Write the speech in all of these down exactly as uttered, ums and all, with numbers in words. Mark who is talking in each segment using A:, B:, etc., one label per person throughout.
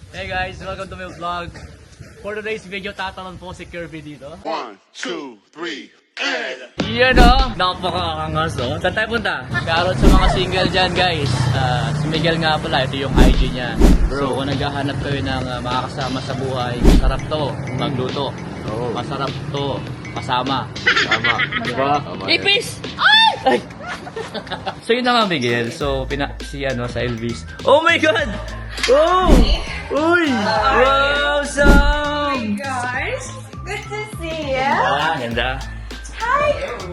A: Hey guys, welcome to my vlog. For today's video, tatalon po si Kirby dito.
B: One, two, three, and...
A: Yan o! Napakakangas o. Saan tayo punta? Shoutout sa mga single dyan guys. Uh, si Miguel nga pala, ito yung I G niya. So kung naghahanap kayo ng uh, makakasama sa buhay, masarap to magluto.
C: Oo.
A: Masarap to kasama.
C: Tama.
A: Diba?
C: Tama.
A: Ipis! Ay! Ay! So yun na nga Miguel. So pina si ano sa Elvis. Oh my God! Oh! Uy! Wow! Sam!
D: Guys, good to see you.
A: Ah, ganda.
D: Hi.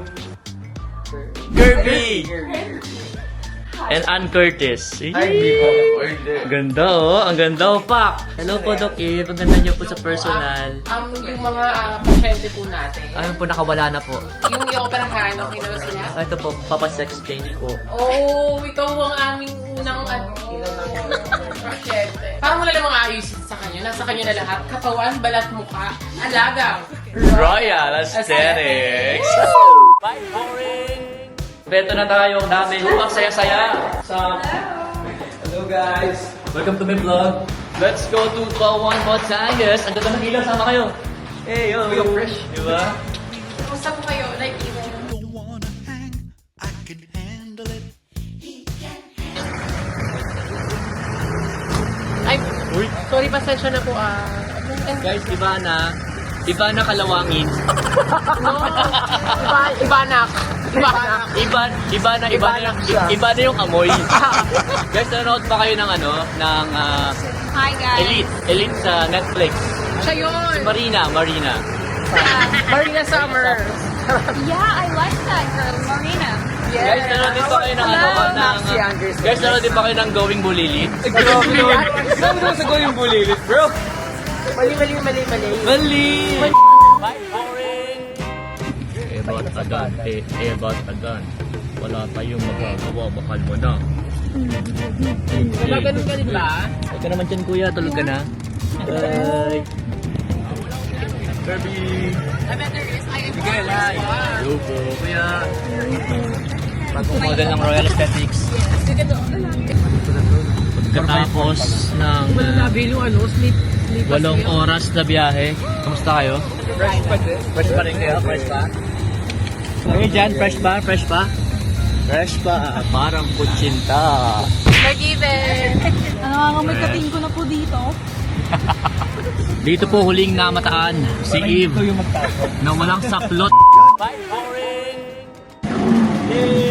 A: Kirby! And Ann Curtis.
C: Ay, hindi po. Or hindi.
A: Ganda oh, ang ganda oh, Pak! Hello po, Doc Eve. Ang ganda niyo po sa personal.
E: Um, yung mga uh, pasyente po natin.
A: Ayun po, nakawala na po.
E: Yung yung operahan, okay na ba sila?
A: Ah, ito po, papasex change ko.
E: Oh, ikaw ang aming unang ano, pasyente. Parang wala namang ayusin sa kanya. Nasa kanya na lahat. Katawan, balat, mukha, alaga.
A: Royal Aesthetics! Bye, boring! Beto na tayo, ang dami. Ang saya-saya. Sa... Hello guys! Welcome to my vlog. Let's go to Kawan, Batangas. Ang ganda ng ilaw, sama kayo. Hey, yo! Yo, fresh. Diba?
E: Kumusta po kayo? Like, even.
B: Don't wanna hang, I can handle it.
E: Ay,
A: Uy!
E: sorry, pasensya na po ah.
A: Guys, iba na. Iba na kalawangin.
E: No, iba, iba na. Iba na.
A: Iba, iba na, iba, na, iba na yung amoy. Guys, nanonood pa kayo ng ano, ng ah,
D: Hi guys.
A: Elite. Elite sa Netflix.
E: Siya yun.
A: Marina, Marina.
E: Marina Summer.
D: Yeah, I like that girl, Marina.
A: Guys, nanonood din pa kayo ng ano, ng...
E: Maxi Anderson.
A: Guys, nanonood din pa kayo ng Going Bulilit.
C: Grabe yun. Saan mo sa going bulilit, bro?
E: Mali, mali, mali, mali.
A: Mali! Bye, boring! Eh, ba't agan? Eh, eh, ba't agan? Wala tayong magagawa, bakal mo na.
E: Diba ganun ka din ba?
A: Huwag ka naman dyan, kuya. Tulog ka na. Bye! Kirby!
E: I bet there is. I am
A: Miguel, hi! Hello po, kuya! Bagong model ng Royal Aesthetics. Pagkatapos ng
E: Wala
A: uh,
E: nabil yung ano, sleep. sleep
A: walong oras na biyahe. Kamusta kayo?
E: Fresh pa din.
A: Fresh pa rin kayo? Fresh pa? Kayo dyan, fresh pa? Fresh pa? Fresh pa. Parang kutsinta.
E: Forgiven.
D: Nangangamoy kating ko na po dito.
A: Dito po huling namataan si Eve na walang saplot. Bye, boring! Yay!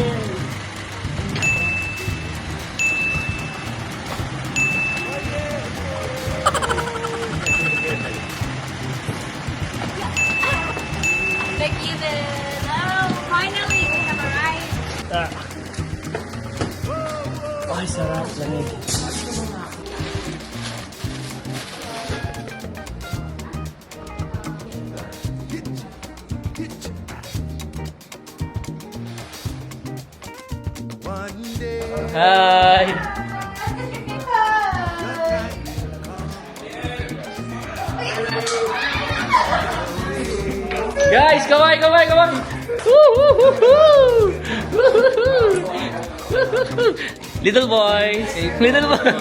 D: Forgiven. Oh, finally we have arrived.
A: Ay, sarap. Lamig.
B: One day,
A: Hi! Guys, kaway, kaway, kaway! Woo-hoo-hoo-hoo! Woo-hoo-hoo! Little boys! Little boys!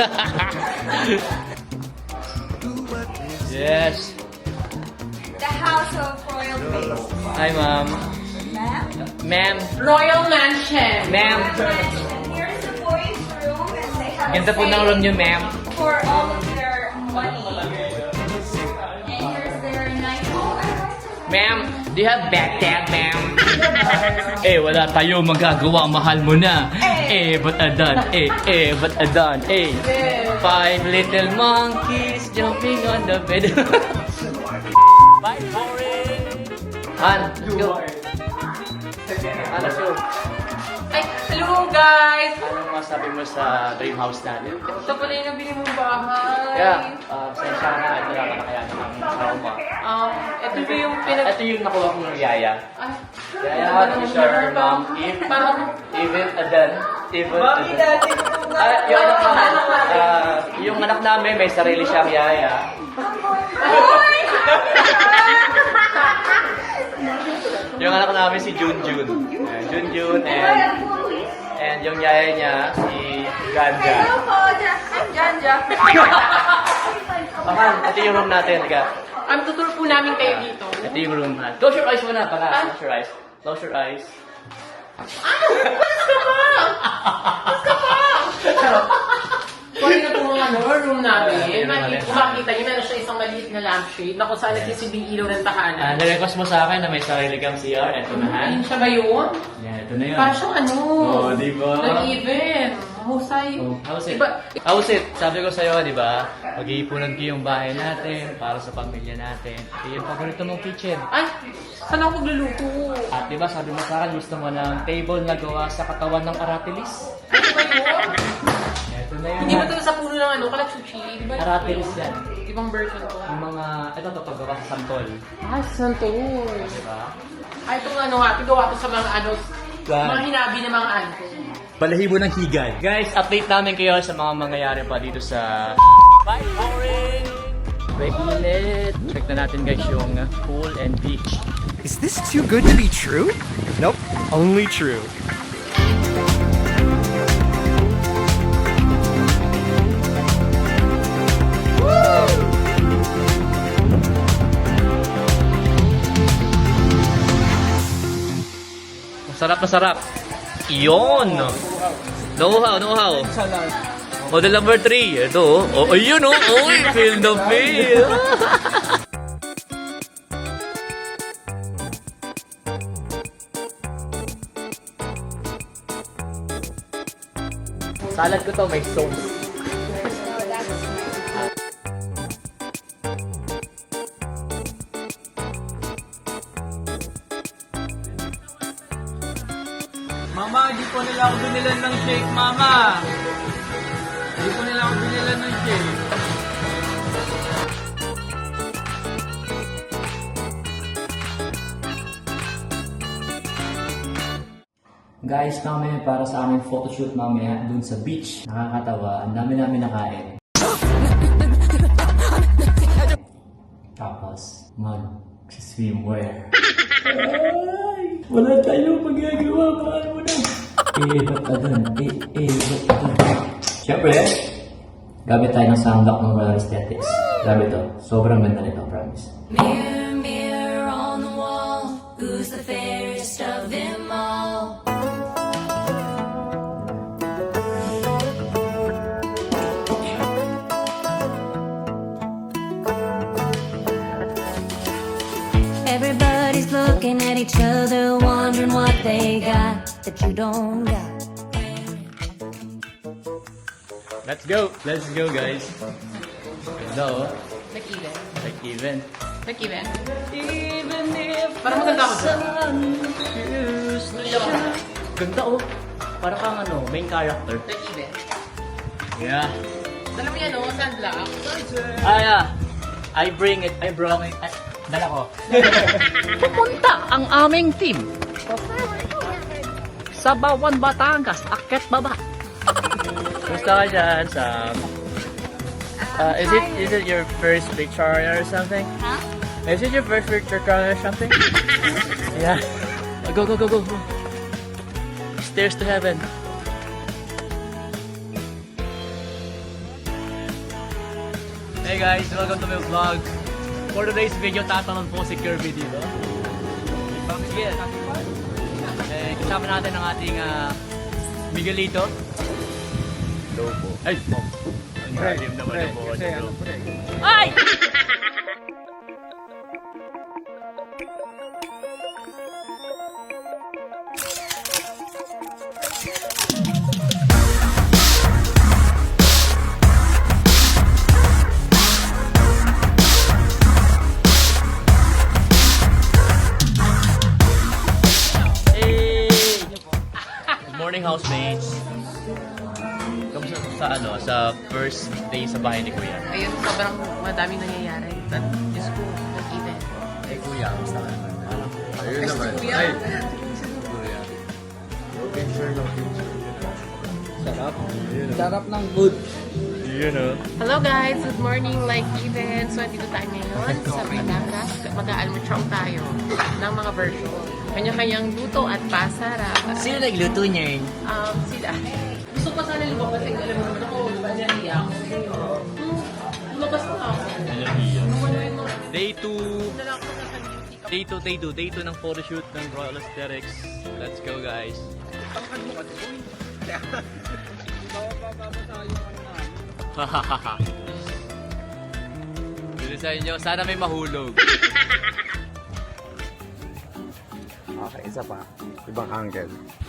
A: Yes!
D: The house of royal face.
A: Hi, ma'am.
D: Ma'am?
A: Ma'am.
E: Royal Mansion.
A: Ma'am.
D: And here's the boys' room and they have
A: Ganda
D: a
A: po ng room niyo, ma'am.
D: for all of their money. And here's their night. Oh, I like to
A: Ma'am, do you have bathtub, ma'am? Eh, wala tayo magagawa. Mahal mo na. Eh, but adan. Eh, eh, but adan. Eh. Five little monkeys jumping on the bed. Bye, boring. Han, let's go. Han, let's go.
E: Ay, hello guys!
A: Anong masabi mo sa dream house natin?
E: Ito pala yung nabili mong bahay.
A: Yeah, uh, sensya na. Ito lang na kaya namin trauma.
E: Um, ito ba yung pinag...
A: Ito yung nakuha ko ng yaya.
E: Ay,
A: Yaya, t-shirt, ma'am, Eve.
E: parang...
A: Even Adan. Even Adan. Ah, yung anak namin, ah, yung anak namin may sarili siyang yaya. Yung anak namin si Junjun. Uh, Junjun and and yung yaya niya si Ganja.
D: Hello po, Jan- I'm Janja.
A: ito yung room natin. Ka.
E: Ang tutur po namin kayo dito.
A: Ito yung room natin. Close your eyes muna. Para.
E: Ah?
A: Close your eyes. Close your eyes.
E: Kung na po mga ano, room namin,
A: Room natin.
E: makikita, kung makikita niyo, meron siya isang maliit na lampshade na kung saan nagsisilbing ilaw ng
A: Ah,
E: tahanan.
A: nirequest mo sa akin na may sarili kang C R. Ito na ha.
E: Ayun siya ba yun?
A: Yan, ito na yun.
E: Pasyong ano?
A: Oo, di ba?
E: Nag-even. Mahusay.
A: Oh, how's it?
E: Diba?
A: How's it? Sabi ko sa'yo, di ba? Mag-iipunan ko yung bahay natin para sa pamilya natin. Ito yung paborito mong kitchen.
E: Ay, saan ako magluluto?
A: At di ba sabi mo sa akin, gusto mo ng table na gawa sa katawan ng aratilis?
E: Ano ba yun?
A: Ito na yun.
E: Hindi ba ito sa puno ng ano, kalaksuchi? Di ba?
A: Aratilis yan.
E: Ibang version to.
A: Yung mga, ito to paggawa sa santol.
E: Ah, santos.
A: Di ba?
E: Ay, itong ano nga, tigawa to sa mga ano,
A: Saan?
E: mga hinabi ng mga ano.
A: Balahibo ng higad. Guys, update namin kayo sa mga mangyayari pa dito sa Bye, boring! Break ulit. Check na natin guys yung pool and beach.
F: Is this too good to be true? Nope, only true.
A: Masarap na sarap. Iyon! Know-how, know-how. Model number three. Ito, oh. Oh, ayun, oh. Uy, feel the feel. Salad ko to, may sauce.
C: Mama, di po nila ako binilan ng shake, Mama. Di po nila ako binilan ng shake.
A: Guys, mamaya para sa aming photoshoot mamaya dun sa beach. Nakakatawa, ang dami namin nakain. Tapos, mag-swimwear. Ay, wala tayong magagawa, mahal mo na. Eh, ba't ka dun? Eh, eh, ba't ka dun? Siyempre, gamit tayo ng sunblock ng Royal Aesthetics. Grabe to, sobrang ganda nito, promise.
G: Mirror, mirror on the wall, who's the fairest of them all? Everybody's looking at each other, wondering what they got that you don't got.
A: Let's go! Let's go, guys! Ganda, oh.
E: Nag-even.
A: Like even.
E: Nag-even.
A: Even if
E: Parang maganda ako dyan.
A: Ganda, oh. Para kang ano, main character.
E: Nag-even.
A: Yeah.
E: Alam mo yan, oh, sunblock.
A: Ah, yeah. I bring it. I brought it. Ay, dala ko.
H: Pupunta ang aming team sa Bawan, Batangas, Akyat Baba.
A: Gusto ka dyan, Sam? Uh, is it is it your first picture or something?
G: Huh?
A: Is it your first picture or something? Yeah. Go, go, go, go, go. Stairs to heaven. Hey guys, welcome to my vlog. For today's video, tatanong po si Kirby dito. Sige. Eh, kasama natin ang ating uh, Miguelito. Hello po. Ay! Oh. Ang galim naman ang buwan nito. Ay! Hey! Good morning, housemates. Kamusta sa ano, sa first day sa bahay ni Kuya?
E: Ayun, sobrang madaming nangyayari. At Diyos ko, nag-even.
A: Eh, Kuya, kamusta ka naman?
C: Ayun naman.
E: Kuya.
C: Ay,
F: Sarap ng food.
A: Yun o.
E: Hello guys, good morning, like even. So, dito tayo ngayon sa Batangas. Mag-aalmutsong tayo ng mga version. Kanya-kanyang luto at pasarap.
A: Sino nagluto niyan?
E: Um, sila. Gusto ko sana lumabas. Alam mo naman ako, diba, nahiya ako. Hmm, lumabas na ako.
A: Alam Day two.
E: Nalaki na sa beauty ka.
A: Day two, day two, day two ng photoshoot ng Royal Aesthetics. Let's go, guys. Hahaha. Dito sa inyo, sana may mahulog.
F: Okay, isa pa. Ibang angle.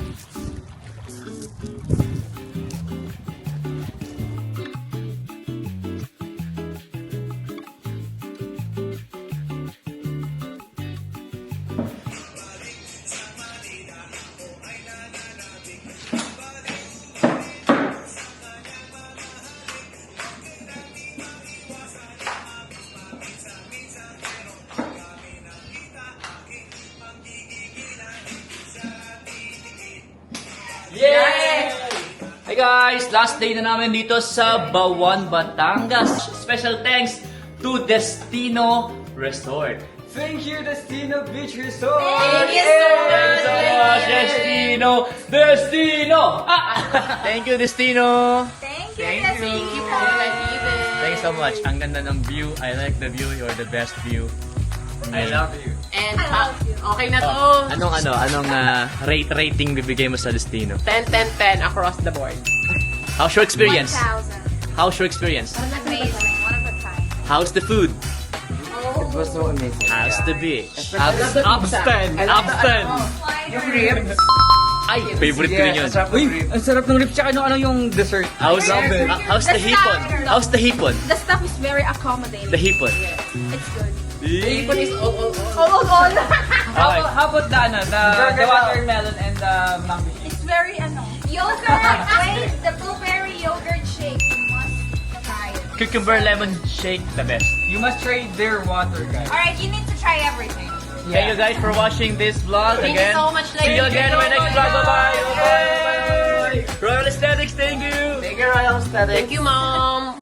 A: Yay! Hey guys! Last day na namin dito sa Bawan, Batangas. Special thanks to Destino Resort.
C: Thank you, Destino Beach Resort!
E: Thank you so
A: Thank you so
E: much!
A: much, Destino! Destino! Ah! Thank you, Destino!
D: Thank you,
E: Thank you.
D: Thank you
E: po, David.
A: Thank you so much. Ang ganda ng view. I like the view. You're the best view.
C: I love you.
E: And pa, okay na to.
A: Oh, anong ano, anong ah, rate rating bibigay mo sa Destino?
E: ten, ten, ten across the board.
A: How's your experience?
D: one thousand.
A: How's your experience?
D: Amazing. One of a kind.
A: How's the food?
F: It was so amazing.
A: How's the beach?
C: Abs Abstan!
A: Abstan!
F: Yung ribs.
A: Ay, favorite ko rin yun.
C: Uy, ang sarap ng ribs. Tsaka ano, ano yung dessert?
A: How's,
C: Love it.
A: ah, how's the hipon? How's the hipon?
D: The stuff is very accommodating.
A: The hipon.
D: It's good.
E: Ipon is all, all, all.
D: Oh, oh, oh.
C: How about, how about the, ano, the, the watermelon and the mango shake?
D: It's very, ano, yogurt. Wait, the blueberry yogurt shake. You must try it.
A: Cucumber lemon shake, the best.
C: You must try their water, guys.
D: Alright, you need to try everything.
A: Thank you guys for watching this vlog
E: Thank you
A: again.
E: so much,
A: See you
E: ladies.
A: again in my next vlog. Bye-bye. Bye-bye. Royal Aesthetics, thank you.
F: Thank you, Royal Aesthetics.
E: Thank you, Mom.